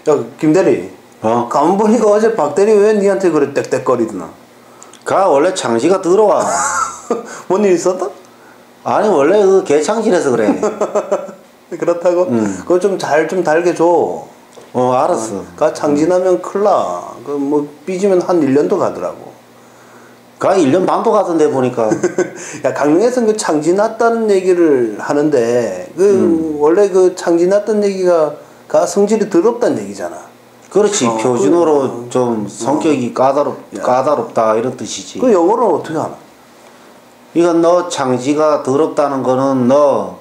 야, 김대리. 가만 보니까 어제 박대리 왜 니한테 그래 떽떽거리더나? 가 원래 창시가 들어와. 뭔 일 있었다? 아니 원래 그 개창실에서 그래. 그렇다고? 그거 좀 달게 줘. 알았어. 가 창진하면 큰일 나. 그 뭐 삐지면 한 1년도 가더라고. 가 1년 반도 가던데 보니까. 야, 강릉에서는 그 창진났다는 얘기를 하는데 원래 그 창진났다는 얘기가 가 성질이 더럽다는 얘기잖아. 그렇지. 표준어로 좀 성격이 까다롭다 이런 뜻이지. 그 영어로는 어떻게 하나? 이건 너 창지가 더럽다는 거는 너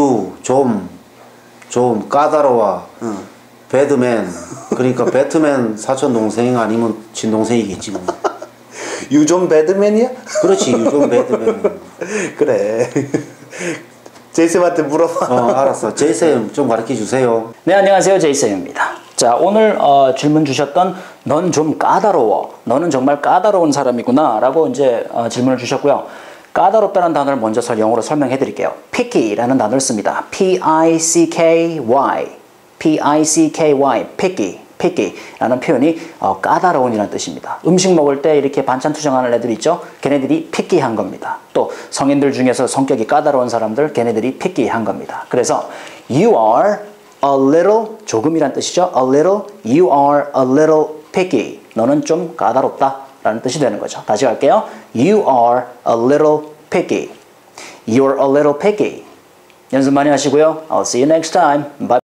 좀 까다로워. 배드맨. 그러니까 배트맨 사촌 동생 아니면 친동생이겠지 뭐. 유존 배드맨이야? 그렇지. 유존 배드맨. 그래. 제이쌤한테 물어봐. 알았어. 제이쌤 좀 가르쳐 주세요. 네, 안녕하세요. 제이쌤입니다. 자, 오늘 질문 주셨던 넌 좀 까다로워. 너는 정말 까다로운 사람이구나 라고 이제 질문을 주셨고요. 까다롭다는 단어를 먼저 영어로 설명해 드릴게요. picky라는 단어를 씁니다. P-I-C-K-Y P-I-C-K-Y picky라는 표현이 까다로운이라는 뜻입니다. 음식 먹을 때 이렇게 반찬 투정하는 애들 있죠? 걔네들이 picky한 겁니다. 또 성인들 중에서 성격이 까다로운 사람들 걔네들이 picky한 겁니다. 그래서 you are a little 조금이란 뜻이죠. a little you are a little picky 너는 좀 까다롭다 라는 뜻이 되는 거죠. 다시 갈게요. You are a little picky. You're a little picky. 연습 많이 하시고요. I'll see you next time. Bye.